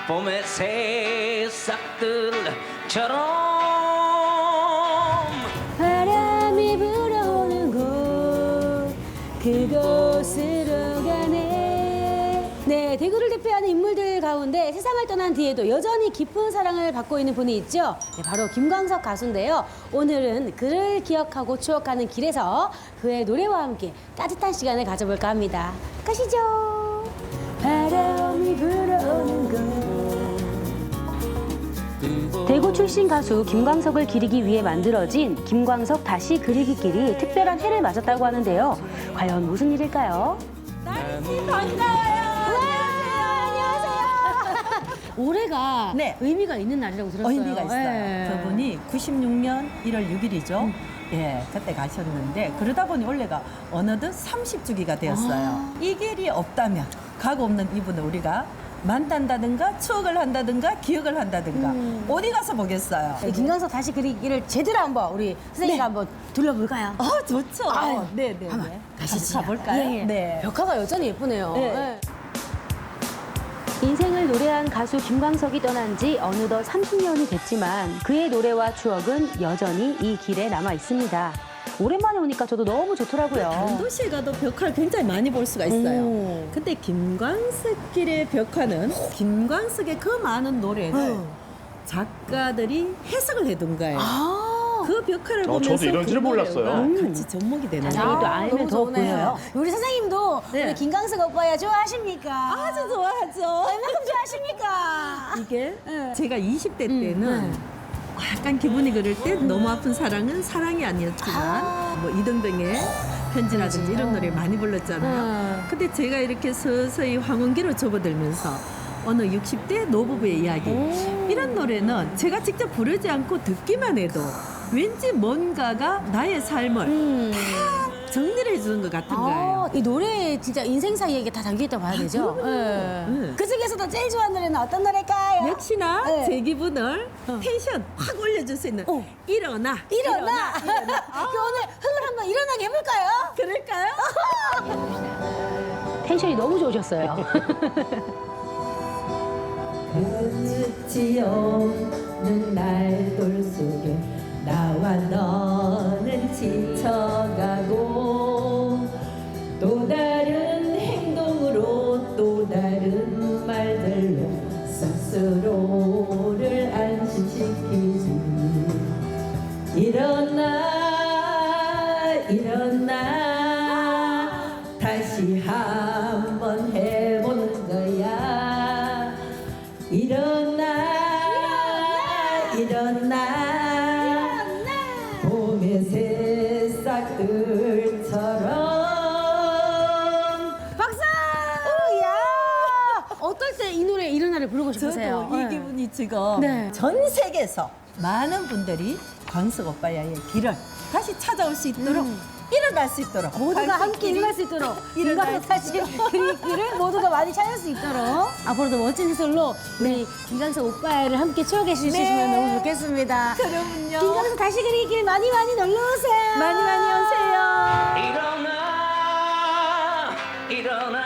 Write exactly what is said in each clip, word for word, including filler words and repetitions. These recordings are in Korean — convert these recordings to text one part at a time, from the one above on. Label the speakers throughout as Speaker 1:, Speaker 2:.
Speaker 1: 봄의 새싹들처럼
Speaker 2: 바람이 불어오는 곳 그곳으로 가네. 네, 대구를 대표하는 인물들 가운데 세상을 떠난 뒤에도 여전히 깊은 사랑을 받고 있는 분이 있죠. 네, 바로 김광석 가수인데요. 오늘은 그를 기억하고 추억하는 길에서 그의 노래와 함께 따뜻한 시간을 가져볼까 합니다. 가시죠. 바람이 불어오는 곳. 대구 출신 가수 김광석을 기리기 위해 만들어진 김광석 다시 그리기 길이 특별한 해를 맞았다고 하는데요. 과연 무슨 일일까요? 날씨 반가워요. 안녕하세요. 올해가
Speaker 3: 네.
Speaker 2: 의미가 있는 날이라고 들었어요.
Speaker 3: 의미가 있어요.
Speaker 2: 네.
Speaker 3: 저분이 구십육 년 일월 육일이죠.
Speaker 2: 음.
Speaker 3: 예, 그때 가셨는데 그러다 보니 올해가 어느덧 삼십 주기가 되었어요.
Speaker 2: 아.
Speaker 3: 이 길이 없다면 가고 없는 이분을 우리가 만난다든가 추억을 한다든가 기억을 한다든가
Speaker 2: 음.
Speaker 3: 어디 가서 보겠어요.
Speaker 2: 이 김광석 다시 그리기를 제대로 한번 우리 선생님과
Speaker 3: 네.
Speaker 2: 한번 둘러볼까요?
Speaker 3: 어, 좋죠.
Speaker 2: 아유,
Speaker 3: 네, 네,
Speaker 2: 한번
Speaker 3: 네.
Speaker 2: 가시죠.
Speaker 3: 가볼까요?
Speaker 2: 예, 예.
Speaker 3: 네.
Speaker 2: 벽화가 여전히 예쁘네요.
Speaker 3: 네.
Speaker 2: 네. 인생을 노래한 가수 김광석이 떠난 지 어느덧 삼십 년이 됐지만 그의 노래와 추억은 여전히 이 길에 남아 있습니다. 오랜만에 오니까 저도 너무 좋더라고요.
Speaker 3: 다른 도시에 가도 벽화를 굉장히 많이 볼 수가 있어요.
Speaker 2: 오.
Speaker 3: 근데 김광석길의 벽화는 김광석의 그 많은 노래를
Speaker 2: 어.
Speaker 3: 작가들이 해석을 해둔 거예요.
Speaker 2: 아,
Speaker 3: 그 벽화를
Speaker 4: 어,
Speaker 3: 보면서
Speaker 4: 저도 이런 줄
Speaker 3: 그
Speaker 4: 몰랐어요.
Speaker 3: 노래가
Speaker 2: 음.
Speaker 3: 같이 접목이 되는
Speaker 2: 자세히 또
Speaker 3: 거예요.
Speaker 2: 알면
Speaker 3: 너무
Speaker 2: 더
Speaker 3: 좋네요.
Speaker 2: 보여요. 우리 선생님도
Speaker 3: 네.
Speaker 2: 우리 김광석 오빠야 좋아하십니까?
Speaker 3: 아주 좋아하죠.
Speaker 2: 얼마큼 좋아하십니까?
Speaker 3: 이게
Speaker 2: 네.
Speaker 3: 제가 이십 대
Speaker 2: 음,
Speaker 3: 때는
Speaker 2: 네.
Speaker 3: 약간 기분이 그럴 때 너무 아픈 사랑은 사랑이 아니었지만
Speaker 2: 아.
Speaker 3: 뭐 이등병의 편지라든지 이런 노래 많이 불렀잖아요.
Speaker 2: 음.
Speaker 3: 근데 제가 이렇게 서서히 황혼기로 접어들면서 어느 육십 대 노부부의 이야기
Speaker 2: 오.
Speaker 3: 이런 노래는 제가 직접 부르지 않고 듣기만 해도 왠지 뭔가가 나의 삶을
Speaker 2: 음.
Speaker 3: 정리를 해주는 것 같은
Speaker 2: 아,
Speaker 3: 거예요.
Speaker 2: 이 노래에 진짜 인생사 이야기가 다 담겨있다고 봐야 되죠?
Speaker 3: 그럼요.
Speaker 2: 네.
Speaker 3: 네.
Speaker 2: 그 중에서도 제일 좋아하는 노래는 어떤 노래일까요?
Speaker 3: 역시나
Speaker 2: 네.
Speaker 3: 제 기분을 텐션 확 올려줄 수 있는
Speaker 2: 어.
Speaker 3: 일어나
Speaker 2: 일어나!
Speaker 3: 일어나.
Speaker 2: 그 오늘 흥을 한번 일어나게 해볼까요?
Speaker 3: 그럴까요?
Speaker 2: 텐션이 너무 좋으셨어요.
Speaker 5: 끝이 없는 날돌 속에 나와 너는 지쳐가고 또 다른 행동으로 또 다른 말들로 스스로를 안심시키지. 일어나 일어나 다시 한번 해보는 거야. 일어나 일어나 봄의 새싹들처럼.
Speaker 2: 박수! 야! 어떨 때 이 노래 일어나를 부르고 싶으세요?
Speaker 3: 저도 이
Speaker 2: 네.
Speaker 3: 기분이 지금
Speaker 2: 네.
Speaker 3: 전 세계에서 많은 분들이 광석 오빠야의 길을 다시 찾아올 수 있도록
Speaker 2: 음.
Speaker 3: 일어날 수 있도록
Speaker 2: 모두가
Speaker 3: 광석
Speaker 2: 함께
Speaker 3: 길이
Speaker 2: 일어날 수 있도록
Speaker 3: 일어날
Speaker 2: 김광석 다시 그리기를 모두가 많이 찾을 수 있도록 앞으로도 멋진 해설로 우리 김광석 오빠를 함께 추억해 주시면
Speaker 3: 네.
Speaker 2: 너무 좋겠습니다.
Speaker 3: 그럼요.
Speaker 2: 김광석 다시 그리기를 많이 많이 놀러 오세요.
Speaker 3: 많이 많이 오세요.
Speaker 1: 일어나 일어나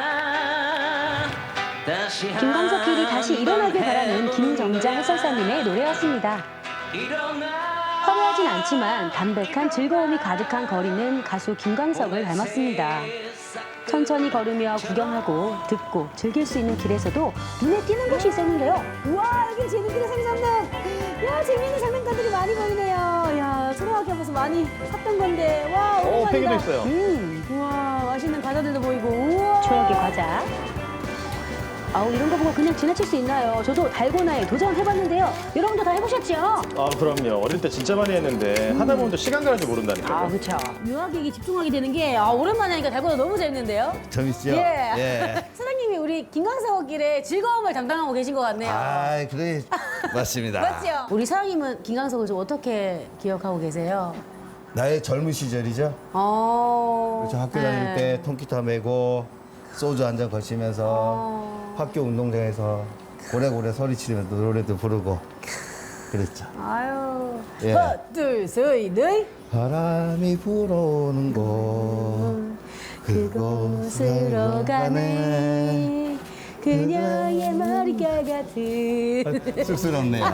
Speaker 1: 다시
Speaker 2: 김광석 길이 다시 일어나길 바라는 김정자 해설사님의 노래였습니다.
Speaker 1: 일어나
Speaker 2: 화려하진 않지만 담백한 즐거움이 가득한 거리는 가수 김광석을 닮았습니다. 천천히 걸으며 구경하고 듣고 즐길 수 있는 길에서도 눈에 띄는 곳이 있었는데요. 우와, 여기 재밌게 생겼네. 야, 재밌는 장난감들이 많이 보이네요. 야, 초등학교 앞에서 많이 샀던 건데. 와,
Speaker 4: 어,
Speaker 2: 오랜만이다.
Speaker 4: 팩에도 있어요.
Speaker 2: 음, 우와, 맛있는 과자들도 보이고. 우와. 추억의 과자. 아우, 이런 거 보고 그냥 지나칠 수 있나요? 저도 달고나에 도전해봤는데요. 여러분도 다 해보셨죠?
Speaker 4: 아, 그럼요. 어릴 때 진짜 많이 했는데 하다 보면 또 시간 가는 줄 모른다니까요.
Speaker 2: 아, 그렇죠. 묘하게 이게 집중하게 되는 게 아, 오랜만에 하니까 달고나 너무 재밌는데요?
Speaker 6: 재밌죠?
Speaker 2: 예.
Speaker 6: 예.
Speaker 2: 사장님이 우리 김광석 길의 즐거움을 담당하고 계신 것 같네요.
Speaker 6: 아, 그래. 맞습니다.
Speaker 2: 맞죠? 우리 사장님은 김광석을 좀 어떻게 기억하고 계세요?
Speaker 6: 나의 젊은 시절이죠.
Speaker 2: 어.
Speaker 6: 저 학교
Speaker 2: 네.
Speaker 6: 다닐 때 통기타 메고 소주 한 잔 거시면서
Speaker 2: 어.
Speaker 6: 학교 운동장에서 고래고래 소리 치면서 노래도 부르고 그랬죠.
Speaker 2: 아유.
Speaker 6: 예.
Speaker 2: 하나, 둘, 셋, 넷.
Speaker 6: 바람이 불어오는 곳 그곳으로 가네.
Speaker 2: 그녀의 머릿결 같은
Speaker 6: 쑥스럽네요.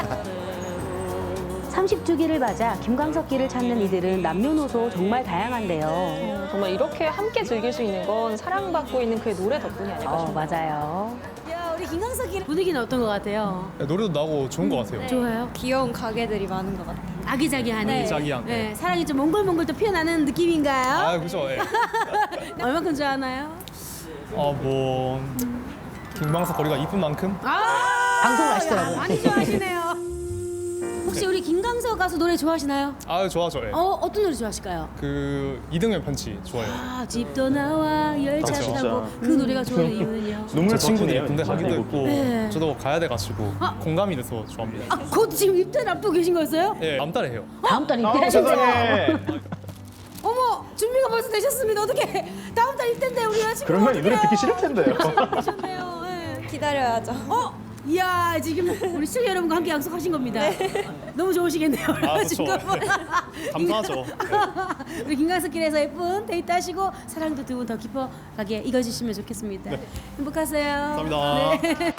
Speaker 2: 삼십 주기를 맞아 김광석기를 찾는 이들은 남녀노소 정말 다양한데요.
Speaker 7: 정말 이렇게 함께 즐길 수 있는 건 사랑받고 있는 그의 노래 덕분이 아닐까
Speaker 2: 어,
Speaker 7: 싶어요.
Speaker 2: 맞아요. 야, 우리 김광석기 분위기는 어떤 것 같아요?
Speaker 8: 노래도 나고 좋은 것 같아요.
Speaker 2: 좋아요?
Speaker 7: 귀여운 가게들이 많은 것 같아요.
Speaker 2: 아기자기하네.
Speaker 8: 아기자기한.
Speaker 2: 네, 사랑이 좀 몽골몽골 또 피어나는 느낌인가요?
Speaker 8: 아, 그죠. 예.
Speaker 2: 얼마큼 좋아하나요?
Speaker 8: 어, 뭐 김광석 거리가 이쁜 만큼.
Speaker 2: 아,
Speaker 9: 방송을 하시더라고요.
Speaker 2: 야, 많이 좋아하시네요. 혹시 우리 김광석 가수 노래 좋아하시나요?
Speaker 8: 아, 좋아죠. 예.
Speaker 2: 어, 어떤 노래 좋아하실까요?
Speaker 8: 그 이등의 펀치 좋아해요.
Speaker 2: 아, 집도 나와 열차
Speaker 4: 아, 진짜.
Speaker 2: 타고 그 노래가 좋아하는 이유는요?
Speaker 4: 눈물
Speaker 8: 제 친구들이
Speaker 4: 버튼이에요,
Speaker 8: 군대
Speaker 4: 진짜.
Speaker 8: 가기도
Speaker 4: 이거.
Speaker 8: 했고
Speaker 2: 네.
Speaker 8: 저도 가야 돼가지고
Speaker 2: 아.
Speaker 8: 공감이 돼서 좋아합니다.
Speaker 2: 아, 곧 지금 입대를 앞두고 계신 거였어요?
Speaker 8: 예, 다음 달에 해요.
Speaker 9: 다음 달에
Speaker 4: 아,
Speaker 9: 입대.
Speaker 4: 세상에.
Speaker 2: 어머, 준비가 벌써 되셨습니다. 어떻게 다음 달 입대인데 우리 여자친구
Speaker 4: 그러면 이 노래 듣기 싫을 텐데요.
Speaker 2: 되셨네요. 네.
Speaker 7: 기다려야죠.
Speaker 2: 어? 이야, 지금 우리 시청자 여러분과 함께 약속하신 겁니다. 너무 좋으시겠네요. 우리
Speaker 8: 아, 그렇죠.
Speaker 2: 여자친구분.
Speaker 8: 감사하죠.
Speaker 2: 우리 김광석길에서 예쁜 데이트 하시고 사랑도 두 분 더 깊어가게 이겨주시면 좋겠습니다. 행복하세요.
Speaker 8: 감사합니다.
Speaker 2: 네.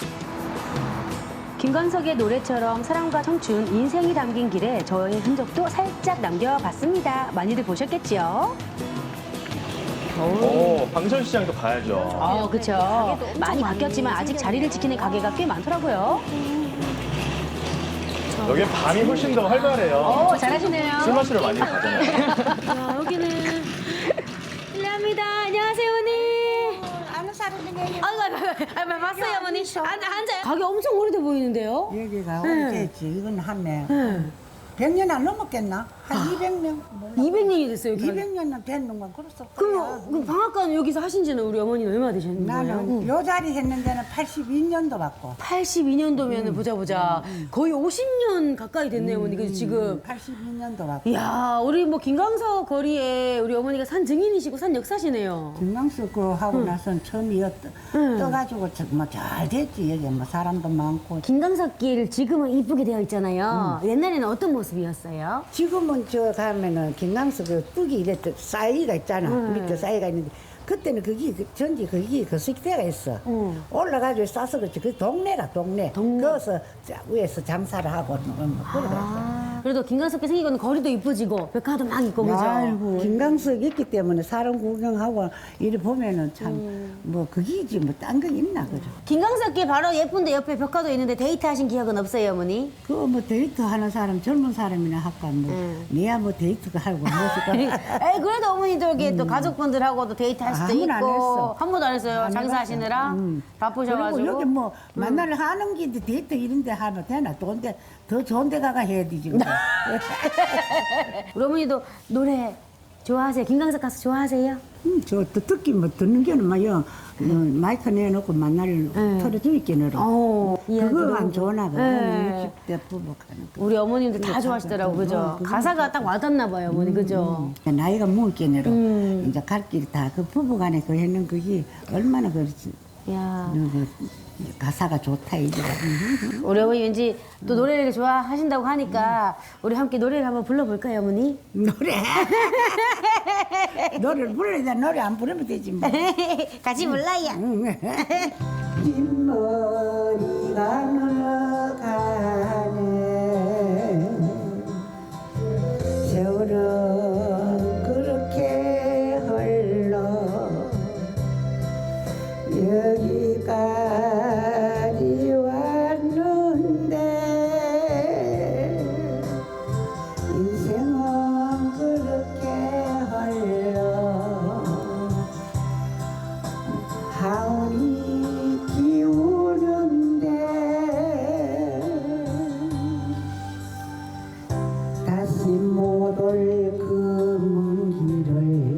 Speaker 2: 김광석의 노래처럼 사랑과 청춘, 인생이 담긴 길에 저의 흔적도 살짝 남겨봤습니다. 많이들 보셨겠지요?
Speaker 4: 오, 방천시장도 가야죠.
Speaker 2: 어, 그렇죠. 많이 바뀌었지만 아직 자리를 지키는 가게가 꽤 많더라고요.
Speaker 4: 여기 밤이 훨씬 더 활발해요.
Speaker 2: 어, 잘하시네요.
Speaker 4: 술 마시러 많이 가잖아요.
Speaker 2: 야, 여기는 실례합니다. 안녕하세요, 어머니.
Speaker 5: 아는 사람들이
Speaker 2: 아이고, 아이고, 아이고, 봤어요, 어머니. 앉, 앉아요. 가게 엄청 오래돼 보이는데요?
Speaker 5: 여기가
Speaker 2: 네.
Speaker 5: 오래됐지. 이건 한 명.
Speaker 2: 네.
Speaker 5: 백 년 안 넘었겠나? 한 이백 명? 몰라.
Speaker 2: 이백 년이 됐어요, 여기.
Speaker 5: 이백 년은 됐는가 그랬을 거야.
Speaker 2: 그럼 그 방앗간 여기서 하신 지는 우리 어머니는 얼마나 되셨는 거예요?
Speaker 5: 나는 요 자리 했는 데는 팔십이 년도 받고.
Speaker 2: 팔십이 년도면 보자 보자. 거의 오십 년 가까이 됐네요, 어머니. 그래서 지금.
Speaker 5: 팔십이 년도 받고.
Speaker 2: 이야, 우리 뭐 김광석 거리에 우리 어머니가 산 증인이시고 산 역사시네요.
Speaker 5: 김광석 그 하고 나선 처음이었다. 떠가지고 뭐잘 됐지. 여기 뭐 사람도 많고.
Speaker 2: 김광석 길 지금은 이쁘게 되어 있잖아요. 옛날에는 어떤 모습이었어요?
Speaker 5: 지금은 저 가면은 김광석 그 뚝이 이랬던 싸이가 있잖아. 밑에 싸이가 있는데. 그때는 거기 그 전지 거기 그 식대가 있어. 올라가지고 싸서 그렇지. 그 동네라 동네. 거기서 자- 위에서 장사를 하고 뭐 그러고
Speaker 2: 아, 그래도 김광석께 생기고는 거리도 이뻐지고 백화도 막 있고 그죠?
Speaker 5: 아이고 김광석 있기 때문에 사람 구경하고 이래 보면은 참 뭐 그기지 뭐 딴 거 있나 그죠?
Speaker 2: 김광석길 바로 예쁜데 옆에 벽화도 있는데 데이트하신 기억은 없어요, 어머니?
Speaker 5: 그 뭐 데이트 하는 사람 젊은 사람이나 할까 뭐 내야 뭐 데이트가 하고 무엇일까?
Speaker 2: 에이, 그래도 어머니도 이렇게 또 가족분들하고도 데이트할 수도
Speaker 5: 한 번도 안
Speaker 2: 있고
Speaker 5: 했어.
Speaker 2: 한 번도 안 했어요.
Speaker 5: 안
Speaker 2: 장사하시느라
Speaker 5: 해봤어. 음.
Speaker 2: 바쁘셔가지고.
Speaker 5: 그리고 여기 뭐 만날 하는 게 데이트 이런 데 하면 되나? 또 근데 더 좋은 데 가가 해야 되지 뭐.
Speaker 2: 우리 어머니도 노래 좋아하세요? 김광석 가수 좋아하세요?
Speaker 5: 음, 저또 듣기 뭐 듣는 게는 뭐요. 마이크 내놓고 만날 털어주니까
Speaker 2: 어,
Speaker 5: 그거 안 좋나 봐.
Speaker 2: 네.
Speaker 5: 육십 대 부부가는 거.
Speaker 2: 우리 어머님들 다 좋아하시더라고, 그죠?
Speaker 5: 어, 그거
Speaker 2: 가사가 딱 와닿나 봐요, 어머니, 그죠?
Speaker 5: 나이가 먹겠네로 이제 갈 길이 다 그 부부간에 그 했는 그게 얼마나 그렇지.
Speaker 2: 야,
Speaker 5: 그 가사가 좋다 이제.
Speaker 2: 우리 어머니 왠지 또 노래를 좋아하신다고 하니까 우리 함께 노래를 한번 불러볼까요, 어머니?
Speaker 5: 노래 노래를 불러야 돼. 노래 안 부르면 되지 뭐.
Speaker 2: 같이 불러요.
Speaker 5: 뒷머리가 흘러가네 세월은 그렇게 흘러 여기까지 왔는데 인생은 그렇게 흘러 하울이 기우는데 다시 못 올 그 먼 길을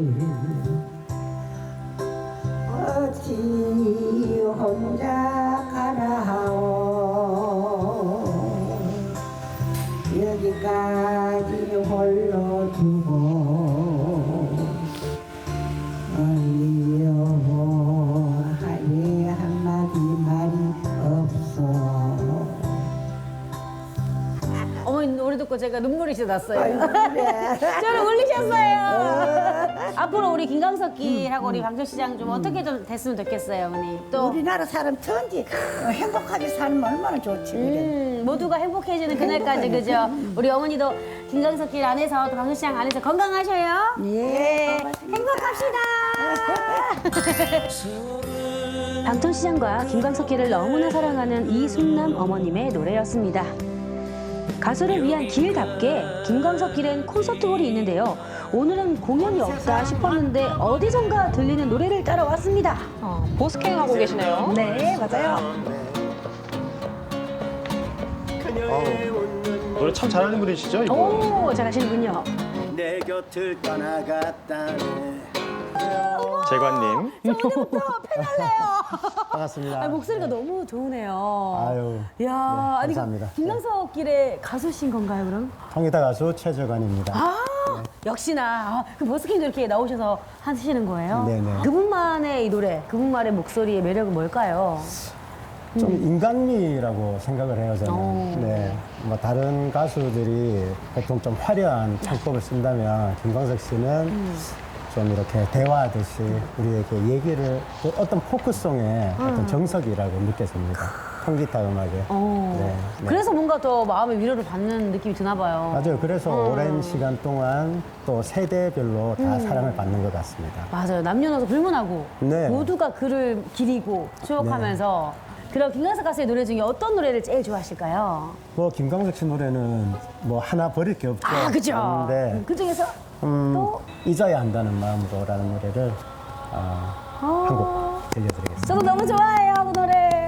Speaker 5: 어찌 혼자 가라 하오 여기까지 홀로 두고 어이요 하니 한마디 말이 없어.
Speaker 2: 어머니 노래 듣고 제가 저희가 눈물이 진짜 났어요. 저를 울리셨어요. 앞으로 우리 김광석기하고 우리 방천시장 좀 어떻게 좀 됐으면 좋겠어요, 어머니. 또
Speaker 5: 우리나라 사람 천지 어, 행복하게 살면 얼마나 좋지 그래.
Speaker 2: 음, 모두가 행복해지는 그날까지 그죠? 우리 어머니도 김광석길 안에서 또 방천시장 안에서 건강하셔요.
Speaker 5: 예.
Speaker 2: 행복합시다. 방천시장과 김광석길을 너무나 사랑하는 이순남 어머님의 노래였습니다. 가수를 위한 길답게 김광석길엔 콘서트홀이 있는데요. 오늘은 공연이 없다 싶었는데 어디선가 들리는 노래를 따라왔습니다.
Speaker 7: 어, 버스킹 하고 계시네요.
Speaker 2: 네, 맞아요.
Speaker 4: 노래 참 잘하는 분이시죠, 이거?
Speaker 2: 오, 잘하시는군요.
Speaker 9: 내 곁을 떠나갔다네.
Speaker 4: 재관님.
Speaker 2: 저 오늘부터 팬할래요.
Speaker 6: 반갑습니다.
Speaker 2: 아, 목소리가 너무 좋으네요.
Speaker 6: 아유,
Speaker 2: 이야,
Speaker 6: 네,
Speaker 2: 아니,
Speaker 6: 감사합니다.
Speaker 2: 김광석길의 가수신 건가요, 그럼?
Speaker 6: 통기타 가수 최재관입니다.
Speaker 2: 아, 역시나 아, 그 버스킹도 이렇게 나오셔서 하시는 거예요?
Speaker 6: 네네.
Speaker 2: 그분만의 이 노래, 그분만의 목소리의 매력은 뭘까요?
Speaker 6: 좀 인간미라고 생각을 해요, 저는.
Speaker 2: 오.
Speaker 6: 네. 뭐 다른 가수들이 보통 좀 화려한 창법을 쓴다면 김광석 씨는 좀 이렇게 대화하듯이 우리에게 얘기를 또 어떤 포크송의 어떤 정석이라고 느껴집니다. 통기타 음악에.
Speaker 2: 어.
Speaker 6: 네, 네.
Speaker 2: 그래서 뭔가 더 마음의 위로를 받는 느낌이 드나 봐요.
Speaker 6: 맞아요. 그래서
Speaker 2: 어.
Speaker 6: 오랜 시간 동안 또 세대별로 다 사랑을 받는 것 같습니다.
Speaker 2: 맞아요. 남녀노소 불문하고
Speaker 6: 네.
Speaker 2: 모두가 그를 기리고 추억하면서 그럼 김광석 가수의 노래 중에 어떤 노래를 제일 좋아하실까요?
Speaker 6: 뭐 김광석 씨 노래는 뭐 하나 버릴 게 없죠.
Speaker 2: 아, 그죠?
Speaker 6: 그런데
Speaker 2: 그 중에서
Speaker 6: 음,
Speaker 2: 또?
Speaker 6: 잊어야 한다는 마음으로라는 노래를 어,
Speaker 2: 아.
Speaker 6: 한 곡 들려드리겠습니다.
Speaker 2: 저도 너무 좋아해요, 그 노래.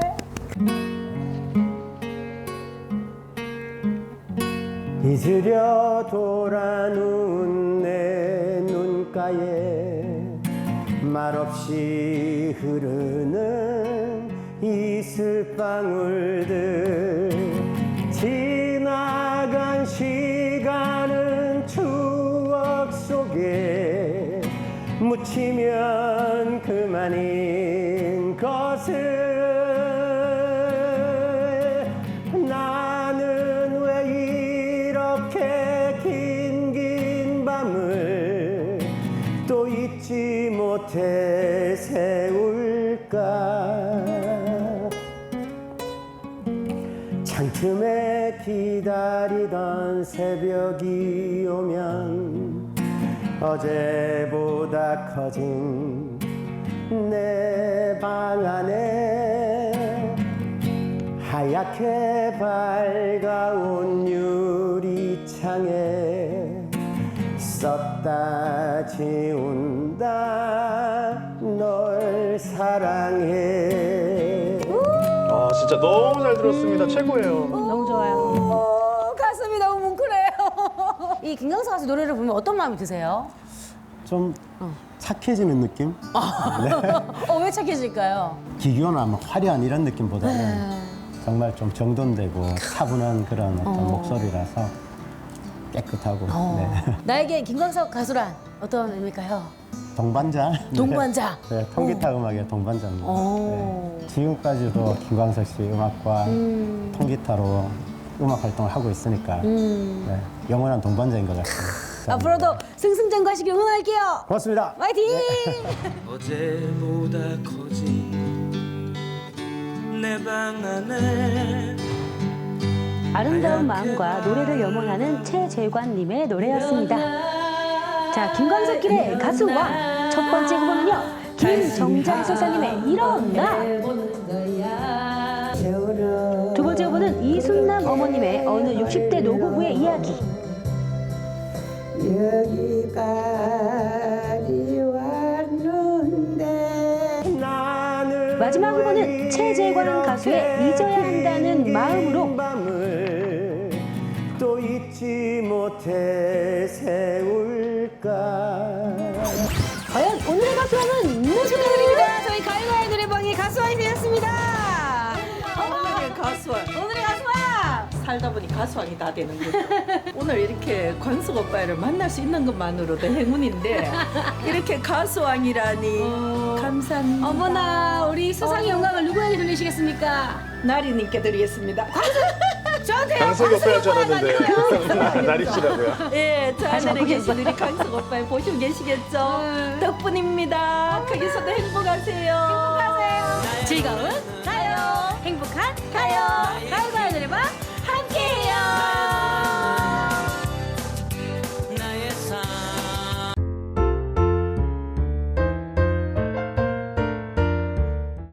Speaker 6: 잊으려 돌아눈 내 눈가에 말없이 흐르는 이슬방울들 지나간 시간은 추억 속에 묻히면 그만인 것을 나는 왜 이렇게 긴 긴 밤을 또 잊지 못해 세울까 창틈에 기다리던 새벽이 오면 어제보다 커진 내 방 안에 하얗게 밝아온 유리창에 썼다 지운다 널 사랑해.
Speaker 4: 아, 진짜 너무 잘 들었습니다. 최고예요.
Speaker 2: 너무 좋아요. 오, 가슴이 너무 뭉클해요. 이 김광석 가수 노래를 보면 어떤 마음이 드세요?
Speaker 6: 좀 착해지는 느낌?
Speaker 2: 어, 왜 착해질까요?
Speaker 6: 기교나 뭐 화려한 이런 느낌보다는 정말 좀 정돈되고 차분한 그런 어떤 목소리라서 깨끗하고 네.
Speaker 2: 나에게 김광석 가수란 어떤 의미일까요?
Speaker 6: 동반자.
Speaker 2: 동반자.
Speaker 6: 네, 네, 통기타 음악의 동반자입니다.
Speaker 2: 오.
Speaker 6: 네. 지금까지도 김광석 씨 음악과 통기타로 음악 활동을 하고 있으니까 네, 영원한 동반자인 것 같습니다.
Speaker 2: 앞으로도 승승장구하시길 응원할게요.
Speaker 6: 고맙습니다.
Speaker 2: 화이팅!
Speaker 1: 어제보다 커진 내 방 안에
Speaker 2: 아름다운 마음과 노래를 염원하는 최재관님의 노래였습니다. 자, 김광석길의 가수와 첫 번째 후보는요, 김정장 소사님의 일어나. 두 번째 후보는 이순남 어머님의 어느 육십 대 노부부의 이야기.
Speaker 5: 여기까지 왔는데
Speaker 2: 마지막 후보는 최재관 가수의 잊어야 한다는 마음으로.
Speaker 6: 밤을 또 잊지 못해 세울까.
Speaker 2: 과연 오늘의 가수왕은 누구 축하드립니다. 저희 가요가의 노래방의 가수왕이 되었습니다.
Speaker 3: 오늘의 가수왕.
Speaker 2: 오늘의 가수왕.
Speaker 3: 살다 보니 가수왕이 다 되는 거죠. 오늘 이렇게 광석 오빠를 만날 수 있는 것만으로도 행운인데 이렇게 가수왕이라니 감사합니다.
Speaker 2: 어머나, 우리 수상의 영광을 누구에게 돌리시겠습니까?
Speaker 3: 나리님께 드리겠습니다.
Speaker 2: 저한테요.
Speaker 4: 강석이 오빠 할줄 알았는데
Speaker 2: 아니고요.
Speaker 4: 나리씨라고요.
Speaker 3: 예, 저 하늘에 계신 우리 강석 오빠 보시고 계시겠죠? 덕분입니다. 거기서도 행복하세요.
Speaker 2: 즐거운